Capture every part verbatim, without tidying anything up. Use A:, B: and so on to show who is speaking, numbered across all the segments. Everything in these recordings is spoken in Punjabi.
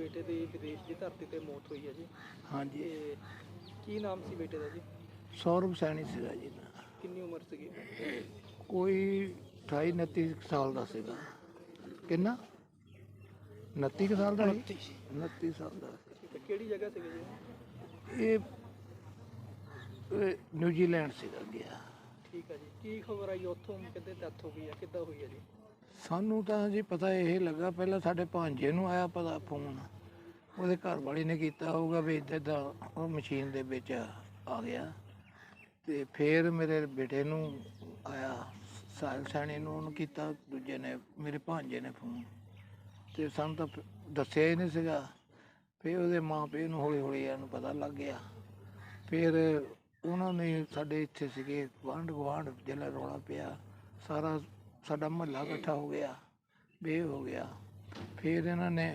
A: ਬੇਟੇ ਦੀ ਵਿਦੇਸ਼ ਦੀ ਧਰਤੀ ਤੇ ਮੌਤ ਹੋਈ ਹੈ ਜੀ।
B: ਹਾਂਜੀ,
A: ਤੇ ਕੀ ਨਾਮ ਸੀ ਬੇਟੇ ਦਾ ਜੀ?
B: ਸੌਰਵ ਸੈਣੀ ਸੀਗਾ ਜੀ।
A: ਕਿੰਨੀ ਉਮਰ ਸੀਗੀ?
B: ਕੋਈ ਅਠਾਈ ਉਨੱਤੀ ਕੁ ਸਾਲ ਦਾ ਸੀਗਾ। ਕਿੰਨਾ? ਉਨੱਤੀ ਕੁ ਸਾਲ ਦਾ ਸੀ। ਉਨੱਤੀ ਸਾਲ ਦਾ ਸੀ।
A: ਠੀਕ ਹੈ, ਕਿਹੜੀ ਜਗ੍ਹਾ ਸੀਗੀ ਜੀ?
B: ਇਹ ਇਹ ਨਿਊਜ਼ੀਲੈਂਡ ਸੀਗਾ ਗਿਆ।
A: ਠੀਕ ਹੈ ਜੀ, ਕੀ ਖਬਰ ਆਈ ਉੱਥੋਂ? ਕਿੱਦਾਂ ਡੈਥ ਹੋ ਗਈ ਹੈ, ਕਿੱਦਾਂ ਹੋਈ ਹੈ ਜੀ?
B: ਸਾਨੂੰ ਤਾਂ ਜੀ ਪਤਾ ਇਹ ਲੱਗਾ, ਪਹਿਲਾਂ ਸਾਡੇ ਭਾਂਜੇ ਨੂੰ ਆਇਆ ਪਤਾ ਫੋਨ, ਉਹਦੇ ਘਰ ਵਾਲੀ ਨੇ ਕੀਤਾ ਹੋਊਗਾ ਵੀ ਇੱਦਾਂ ਦਾ ਉਹ ਮਸ਼ੀਨ ਦੇ ਵਿੱਚ ਆ ਗਿਆ। ਤੇ ਫਿਰ ਮੇਰੇ ਬੇਟੇ ਨੂੰ ਆਇਆ, ਸਾਹਿਲ ਸੈਣੀ ਨੂੰ ਉਹਨੂੰ ਕੀਤਾ, ਦੂਜੇ ਨੇ ਮੇਰੇ ਭਾਂਜੇ ਨੇ ਫੋਨ, ਤੇ ਸਾਨੂੰ ਤਾਂ ਦੱਸਿਆ ਹੀ ਨਹੀਂ ਸੀਗਾ। ਫਿਰ ਉਹਦੇ ਮਾਂ ਪਿਓ ਨੂੰ ਹੌਲੀ ਹੌਲੀ ਇਹਨੂੰ ਪਤਾ ਲੱਗ ਗਿਆ। ਫਿਰ ਉਹਨਾਂ ਨੇ ਸਾਡੇ ਇੱਥੇ ਸੀਗੇ ਗੁਆਂਢ ਗੁਆਂਢ ਜਿਹੜਾ ਰੌਲਾ ਪਿਆ, ਸਾਰਾ ਸਾਡਾ ਮੁਹੱਲਾ ਇਕੱਠਾ ਹੋ ਗਿਆ, ਬੇ ਹੋ ਗਿਆ। ਫਿਰ ਇਹਨਾਂ ਨੇ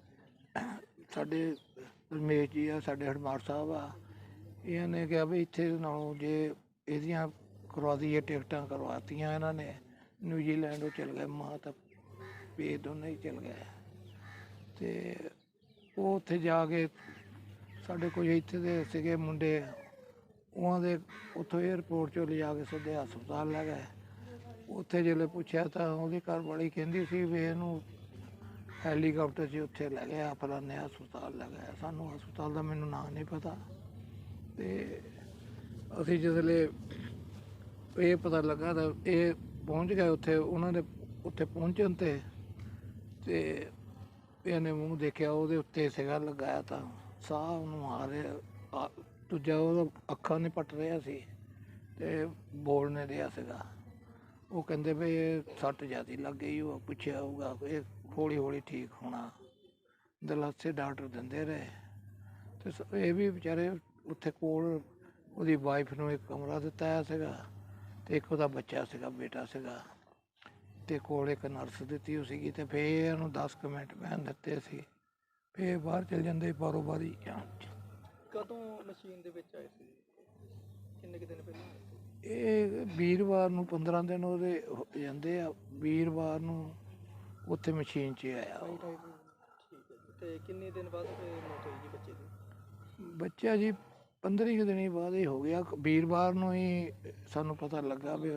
B: ਸਾਡੇ ਰਮੇਸ਼ ਜੀ ਆ, ਸਾਡੇ ਹਰਮਾਰ ਸਾਹਿਬ ਆ, ਇਹਨਾਂ ਨੇ ਕਿਹਾ ਵੀ ਇੱਥੇ ਨਾਲੋਂ ਜੇ ਇਹਦੀਆਂ ਕਰਵਾ ਦਈਏ, ਟਿਕਟਾਂ ਕਰਵਾਤੀਆਂ ਇਹਨਾਂ ਨੇ, ਨਿਊਜ਼ੀਲੈਂਡ ਉਹ ਚਲ ਗਏ, ਮਾਂ ਤਾਂ ਪੇ ਦੋਨੇ ਹੀ ਚਲ ਗਏ। ਅਤੇ ਉਹ ਉੱਥੇ ਜਾ ਕੇ ਸਾਡੇ ਕੋਈ ਇੱਥੇ ਦੇ ਸੀਗੇ ਮੁੰਡੇ, ਉਹਨਾਂ ਦੇ ਉੱਥੋਂ ਏਅਰਪੋਰਟ 'ਚੋਂ ਲਿਜਾ ਕੇ ਸਿੱਧੇ ਹਸਪਤਾਲ ਲੈ ਗਏ। ਉੱਥੇ ਜਦੋਂ ਪੁੱਛਿਆ ਤਾਂ ਉਹਦੀ ਘਰ ਵਾਲੀ ਕਹਿੰਦੀ ਸੀ ਵੀ ਇਹਨੂੰ ਹੈਲੀਕਾਪਟਰ 'ਚ ਉੱਥੇ ਲੈ ਗਿਆ, ਫਲਾਣੇ ਹਸਪਤਾਲ ਲੈ ਗਿਆ। ਸਾਨੂੰ ਹਸਪਤਾਲ ਦਾ ਮੈਨੂੰ ਨਾਂ ਨਹੀਂ ਪਤਾ। ਅਤੇ ਅਸੀਂ ਜਿਸਲੇ ਇਹ ਪਤਾ ਲੱਗਾ ਤਾਂ ਇਹ ਪਹੁੰਚ ਗਏ ਉੱਥੇ। ਉਹਨਾਂ ਦੇ ਉੱਥੇ ਪਹੁੰਚਣ 'ਤੇ ਅਤੇ ਇਹਨੇ ਮੂੰਹ ਦੇਖਿਆ, ਉਹਦੇ ਉੱਤੇ ਸੀਗਾ ਲਗਾਇਆ ਤਾਂ ਸਾਹ ਉਹਨੂੰ ਆ ਰਿਹਾ, ਦੂਜਾ ਉਹਦਾ ਅੱਖਾਂ ਨਹੀਂ ਪੱਟ ਰਿਹਾ ਸੀ ਅਤੇ ਬੋਲ ਨਹੀਂ ਰਿਹਾ ਸੀਗਾ। ਉਹ ਕਹਿੰਦੇ ਵੀ ਇਹ ਸੱਟ ਜ਼ਿਆਦਾ ਲੱਗ ਗਈ। ਉਹ ਪੁੱਛਿਆ ਹੋਊਗਾ, ਇਹ ਹੌਲੀ ਹੌਲੀ ਠੀਕ ਹੋਣਾ, ਦਿਲਾਸੇ ਡਾਕਟਰ ਦਿੰਦੇ ਰਹੇ। ਅਤੇ ਇਹ ਵੀ ਵਿਚਾਰੇ ਉੱਥੇ ਕੋਲ ਉਹਦੀ ਵਾਈਫ ਨੂੰ ਇੱਕ ਕਮਰਾ ਦਿੱਤਾ ਹੋਇਆ ਸੀਗਾ, ਅਤੇ ਇੱਕ ਉਹਦਾ ਬੱਚਾ ਸੀਗਾ, ਬੇਟਾ ਸੀਗਾ, ਅਤੇ ਕੋਲ ਇੱਕ ਨਰਸ ਦਿੱਤੀ ਹੋਈ ਸੀਗੀ। ਅਤੇ ਫਿਰ ਇਹਨੂੰ ਦਸ ਕੁ ਮਿੰਟ ਬਹਿਣ ਦਿੱਤੇ ਸੀ, ਫਿਰ ਬਾਹਰ ਚਲ ਜਾਂਦੇ ਬਾਰੋ ਬਾਰੀ।
A: ਕਦੋਂ ਮਸ਼ੀਨ ਦੇ ਵਿੱਚ ਆਏ ਸੀ? ਕਿੰਨੇ ਕੁ ਦਿਨ ਪਹਿਲਾਂ?
B: ਇਹ ਵੀਰਵਾਰ ਨੂੰ ਪੰਦਰਾਂ ਦਿਨ ਉਹਦੇ ਹੋ ਜਾਂਦੇ ਆ, ਵੀਰਵਾਰ ਨੂੰ ਉੱਥੇ ਮਸ਼ੀਨ 'ਚ ਆਇਆ।
A: ਠੀਕ ਹੈ ਜੀ। ਅਤੇ ਕਿੰਨੇ ਦਿਨ ਬਾਅਦ ਮੌਤ ਹੋਈ ਜੀ ਬੱਚੇ ਦੀ?
B: ਬੱਚਾ ਜੀ ਪੰਦਰਾਂ ਕੁ ਦਿਨ ਬਾਅਦ ਹੀ ਹੋ ਗਿਆ। ਵੀਰਵਾਰ ਨੂੰ ਹੀ ਸਾਨੂੰ ਪਤਾ ਲੱਗਾ ਵੀ।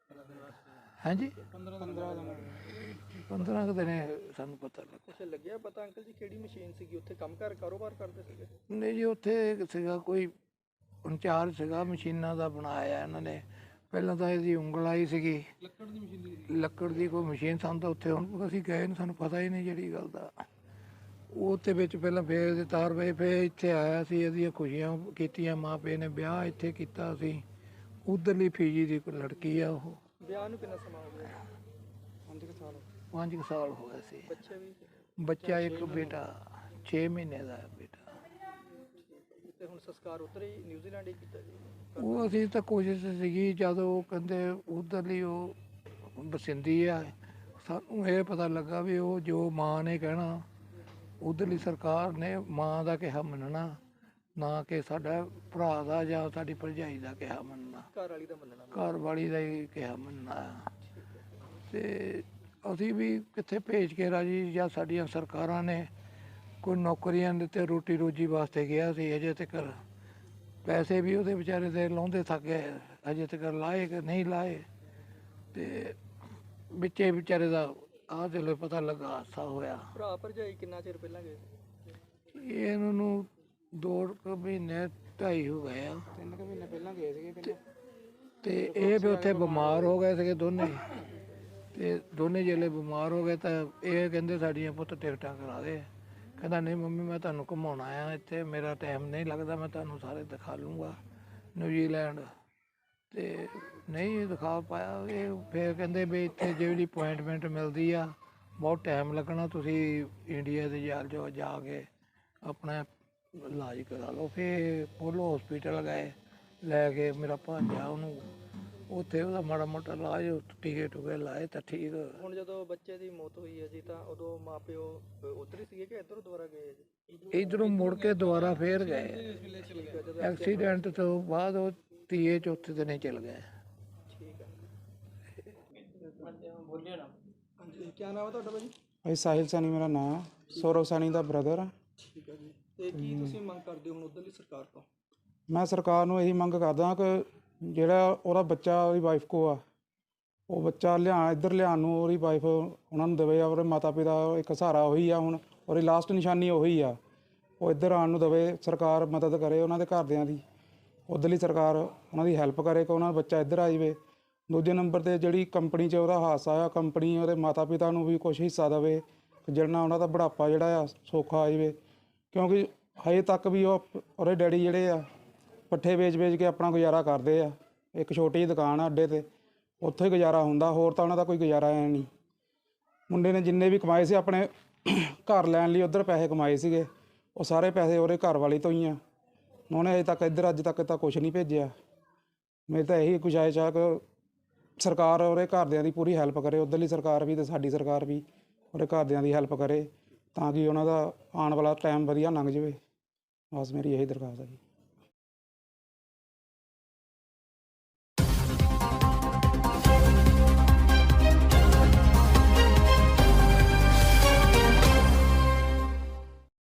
B: ਹਾਂਜੀ,
A: ਪੰਦਰਾਂ ਦਿਨ
B: ਪੰਦਰਾਂ ਕੁ ਦਿਨ ਸਾਨੂੰ ਪਤਾ ਲੱਗਾ।
A: ਅੱਛਾ, ਲੱਗਿਆ ਪਤਾ ਅੰਕਲ ਜੀ ਕਿਹੜੀ ਮਸ਼ੀਨ ਸੀਗੀ? ਉੱਥੇ ਕੰਮ ਕਾਰ ਕਾਰੋਬਾਰ ਕਰਦੇ ਸੀਗੇ?
B: ਨਹੀਂ ਜੀ, ਉੱਥੇ ਸੀਗਾ ਕੋਈ ਇੰਚਾਰਜ ਸੀਗਾ ਮਸ਼ੀਨਾਂ ਦਾ ਬਣਾਇਆ ਇਹਨਾਂ ਨੇ। ਪਹਿਲਾਂ ਤਾਂ ਇਹਦੀ ਉਂਗਲ ਆਈ ਸੀਗੀ, ਲੱਕੜ ਦੀ ਮਸ਼ੀਨ, ਲੱਕੜ ਦੀ ਕੋਈ ਮਸ਼ੀਨ। ਸਾਨੂੰ ਤਾਂ ਉੱਥੇ ਹੁਣ ਅਸੀਂ ਗਏ ਨਹੀਂ, ਸਾਨੂੰ ਪਤਾ ਹੀ ਨਹੀਂ ਜਿਹੜੀ ਗੱਲ ਦਾ। ਉਹਦੇ ਵਿੱਚ ਪਹਿਲਾਂ ਫਿਰ ਇਹਦੇ ਤਾਰ ਪਏ, ਫਿਰ ਇੱਥੇ ਆਇਆ ਸੀ, ਇਹਦੀਆਂ ਖੁਸ਼ੀਆਂ ਕੀਤੀਆਂ, ਮਾਂ ਪਿਓ ਨੇ ਵਿਆਹ ਇੱਥੇ ਕੀਤਾ ਸੀ। ਉੱਧਰਲੀ ਫੀਜੀ ਦੀ ਕੋਈ ਲੜਕੀ ਆ। ਉਹ
A: ਵਿਆਹ ਨੂੰ ਕਿੰਨਾ ਸਮਾਂ ਹੋ ਗਿਆ? ਪੰਜ ਕੁ ਸਾਲ
B: ਪੰਜ ਕੁ ਸਾਲ ਹੋ ਗਏ ਸੀ।
A: ਬੱਚੇ ਵੀ?
B: ਬੱਚਾ ਇੱਕ ਬੇਟਾ, ਛੇ ਮਹੀਨੇ ਦਾ ਬੇਟਾ।
A: ਤੇ ਹੁਣ ਸੰਸਕਾਰ ਉੱਧਰ ਹੀ ਨਿਊਜ਼ੀਲੈਂਡ ਹੀ ਕੀਤਾ ਜੀ?
B: ਉਹ ਅਸੀਂ ਤਾਂ ਕੋਸ਼ਿਸ਼ ਸੀਗੀ, ਜਦੋਂ ਉਹ ਕਹਿੰਦੇ ਉੱਧਰਲੀ ਉਹ ਬਸਿੰਦੀ ਆ, ਸਾਨੂੰ ਇਹ ਪਤਾ ਲੱਗਾ ਵੀ ਉਹ ਜੋ ਮਾਂ ਨੇ ਕਹਿਣਾ, ਉੱਧਰਲੀ ਸਰਕਾਰ ਨੇ ਮਾਂ ਦਾ ਕਿਹਾ ਮੰਨਣਾ, ਨਾ ਕਿ ਸਾਡਾ ਭਰਾ ਦਾ ਜਾਂ ਸਾਡੀ ਭਰਜਾਈ ਦਾ ਕਿਹਾ ਮੰਨਣਾ।
A: ਘਰ ਵਾਲੀ ਦਾ ਮੰਨਣਾ? ਘਰ
B: ਵਾਲੀ ਦਾ ਹੀ ਕਿਹਾ ਮੰਨਣਾ। ਅਤੇ ਅਸੀਂ ਵੀ ਕਿੱਥੇ ਭੇਜ ਕੇ ਰਾਜੀ, ਜਾਂ ਸਾਡੀਆਂ ਸਰਕਾਰਾਂ ਨੇ ਕੋਈ ਨੌਕਰੀਆਂ ਦਿੱਤੇ, ਰੋਟੀ ਰੋਜੀ ਵਾਸਤੇ ਗਿਆ ਸੀ। ਅਜੇ ਤੱਕ ਪੈਸੇ ਵੀ ਉਹਦੇ ਵਿਚਾਰੇ ਦੇ ਲਾਉਂਦੇ ਥੱਕ ਗਏ, ਅਜੇ ਤੱਕ ਲਾਏ ਕਿ ਨਹੀਂ ਲਾਏ। ਅਤੇ ਵਿੱਚੇ ਵਿਚਾਰੇ ਦਾ ਆਹ ਚਲੋ ਪਤਾ ਲੱਗਾ, ਹਾਦਸਾ ਹੋਇਆ।
A: ਭਰਾ ਭਰਜਾਈ ਕਿੰਨਾ ਚਿਰ ਪਹਿਲਾਂ ਗਏ?
B: ਇਹਨਾਂ ਨੂੰ ਦੋ ਕੁ ਮਹੀਨੇ ਢਾਈ ਹੋ ਗਏ ਆ।
A: ਤਿੰਨ ਕੁ ਮਹੀਨੇ ਪਹਿਲਾਂ ਗਏ ਸੀਗੇ।
B: ਅਤੇ ਇਹ ਵੀ ਉੱਥੇ ਬਿਮਾਰ ਹੋ ਗਏ ਸੀਗੇ ਦੋਨੇ। ਅਤੇ ਦੋਨੇ ਜਿਹੜੇ ਬਿਮਾਰ ਹੋ ਗਏ ਤਾਂ ਇਹ ਕਹਿੰਦੇ ਸਾਡੀਆਂ ਪੁੱਤ ਟਿਕਟਾਂ ਕਰਾ ਦੇ। ਕਹਿੰਦਾ ਨਹੀਂ ਮੰਮੀ, ਮੈਂ ਤੁਹਾਨੂੰ ਘੁੰਮਾਉਣ ਆਇਆ ਇੱਥੇ, ਮੇਰਾ ਟਾਈਮ ਨਹੀਂ ਲੱਗਦਾ, ਮੈਂ ਤੁਹਾਨੂੰ ਸਾਰੇ ਦਿਖਾ ਲੂੰਗਾ ਨਿਊਜ਼ੀਲੈਂਡ। ਅਤੇ ਨਹੀਂ ਦਿਖਾ ਪਾਇਆ ਇਹ। ਫਿਰ ਕਹਿੰਦੇ ਵੀ ਇੱਥੇ ਜਿਹੜੀ ਅਪੁਆਇੰਟਮੈਂਟ ਮਿਲਦੀ ਆ ਬਹੁਤ ਟਾਈਮ ਲੱਗਣਾ, ਤੁਸੀਂ ਇੰਡੀਆ ਦੇ ਜਾਲ ਜੋ ਜਾ ਕੇ ਆਪਣਾ ਇਲਾਜ ਕਰਾ ਲਓ। ਫਿਰ ਪੋਲੋ ਹੌਸਪੀਟਲ ਗਏ, ਲੈ ਕੇ ਮੇਰਾ ਭਾਂਜਾ, ਉਹਨੂੰ ਉੱਥੇ ਉਹਦਾ ਮਾੜਾ ਮੋਟਾ ਇਲਾਜ, ਟੀਕੇ ਟੂਕੇ ਲਾਏ ਤਾਂ ਠੀਕ।
A: ਹੁਣ ਜਦੋਂ ਬੱਚੇ ਦੀ ਮੌਤ ਹੋਈ ਹੈ ਜੀ, ਤਾਂ ਉਦੋਂ ਮਾਂ ਪਿਓ ਉੱਧਰ ਹੀ ਸੀਗੇ ਕਿ ਇੱਧਰੋਂ ਦੁਬਾਰਾ ਗਏ ਜੀ?
B: ਇੱਧਰੋਂ ਮੁੜ ਕੇ ਦੁਬਾਰਾ ਫੇਰ ਗਏ। ਐਕਸੀਡੈਂਟ ਤੋਂ ਬਾਅਦ ਉਹ ਤੀਏ ਚੌਥੇ ਦਿਨ ਚਲ ਗਏ।
A: ਠੀਕ ਹੈ। ਬੋਲਿਓ ਨਾ। ਹਾਂਜੀ, ਕੀ ਨਾਮ ਹੈ ਤੁਹਾਡਾ ਭਾਜੀ?
C: ਭਾਈ ਸਾਹਿਲ ਸੈਣੀ ਮੇਰਾ ਨਾਂ, ਸੌਰਵ ਸੈਣੀ ਦਾ ਬ੍ਰਦਰ ਆ।
A: ਠੀਕ ਹੈ ਜੀ, ਤੇ ਕੀ ਤੁਸੀਂ ਮੰਗ ਕਰਦੇ ਹੋ ਹੁਣ ਉੱਧਰਲੀ ਸਰਕਾਰ ਤੋਂ?
C: ਮੈਂ ਸਰਕਾਰ ਨੂੰ ਇਹੀ ਮੰਗ ਕਰਦਾ ਕਿ ਜਿਹੜਾ ਉਹਦਾ ਬੱਚਾ ਉਹਦੀ ਵਾਈਫ ਕੋ ਆ, ਉਹ ਬੱਚਾ ਲਿਆ ਇੱਧਰ ਲਿਆਉਣ ਨੂੰ ਉਹਦੀ ਵਾਈਫ ਉਹਨਾਂ ਨੂੰ ਦੇਵੇ। ਉਹਦੇ ਮਾਤਾ ਪਿਤਾ ਇੱਕ ਸਹਾਰਾ ਉਹੀ ਆ, ਹੁਣ ਉਹਦੀ ਲਾਸਟ ਨਿਸ਼ਾਨੀ ਉਹੀ ਆ, ਉਹ ਇੱਧਰ ਆਉਣ ਨੂੰ ਦੇਵੇ। ਸਰਕਾਰ ਮਦਦ ਕਰੇ ਉਹਨਾਂ ਦੇ ਘਰਦਿਆਂ ਦੀ, ਉੱਧਰਲੀ ਸਰਕਾਰ ਉਹਨਾਂ ਦੀ ਹੈਲਪ ਕਰੇ ਕਿ ਉਹਨਾਂ ਦਾ ਬੱਚਾ ਇੱਧਰ ਆ ਜਾਵੇ। ਦੂਜੇ ਨੰਬਰ 'ਤੇ ਜਿਹੜੀ ਕੰਪਨੀ 'ਚ ਉਹਦਾ ਹਾਦਸਾ ਆ, ਕੰਪਨੀ ਉਹਦੇ ਮਾਤਾ ਪਿਤਾ ਨੂੰ ਵੀ ਕੁਛ ਹਿੱਸਾ ਦੇਵੇ, ਜਿਹਦੇ ਨਾਲ ਉਹਨਾਂ ਦਾ ਬੁਢਾਪਾ ਜਿਹੜਾ ਆ ਸੌਖਾ ਆ ਜਾਵੇ। ਕਿਉਂਕਿ ਹਜੇ ਤੱਕ ਵੀ ਉਹ ਉਹਦੇ ਡੈਡੀ ਜਿਹੜੇ ਆ ਪੱਠੇ ਵੇਚ-ਵੇਚ ਕੇ ਆਪਣਾ ਗੁਜ਼ਾਰਾ ਕਰਦੇ ਆ। ਇੱਕ ਛੋਟੀ ਜਿਹੀ ਦੁਕਾਨ ਆ ਅੱਡੇ 'ਤੇ, ਉੱਥੇ ਹੀ ਗੁਜ਼ਾਰਾ ਹੁੰਦਾ, ਹੋਰ ਤਾਂ ਉਹਨਾਂ ਦਾ ਕੋਈ ਗੁਜ਼ਾਰਾ ਹੈ ਨਹੀਂ। ਮੁੰਡੇ ਨੇ ਜਿੰਨੇ ਵੀ ਕਮਾਏ ਸੀ ਆਪਣੇ ਘਰ ਲੈਣ ਲਈ ਉੱਧਰ ਪੈਸੇ ਕਮਾਏ ਸੀਗੇ, ਉਹ ਸਾਰੇ ਪੈਸੇ ਉਹਦੇ ਘਰ ਵਾਲੀ ਤੋਂ ਹੀ ਆ। ਉਹਨੇ ਅਜੇ ਤੱਕ ਇੱਧਰ ਅੱਜ ਤੱਕ ਤਾਂ ਕੁਛ ਨਹੀਂ ਭੇਜਿਆ। ਮੇਰੀ ਤਾਂ ਇਹੀ ਗੁਜ਼ਾਰਿਸ਼ ਆ ਕਿ ਸਰਕਾਰ ਉਹਦੇ ਘਰਦਿਆਂ ਦੀ ਪੂਰੀ ਹੈਲਪ ਕਰੇ, ਉੱਧਰਲੀ ਸਰਕਾਰ ਵੀ ਅਤੇ ਸਾਡੀ ਸਰਕਾਰ ਵੀ ਉਹਦੇ ਘਰਦਿਆਂ ਦੀ ਹੈਲਪ ਕਰੇ, ਤਾਂ ਕਿ ਉਹਨਾਂ ਦਾ ਆਉਣ ਵਾਲਾ ਟਾਈਮ ਵਧੀਆ ਲੰਘ ਜਾਵੇ। ਬਸ ਮੇਰੀ ਇਹੀ ਦਰਖਾਸਤ ਹੈ ਜੀ।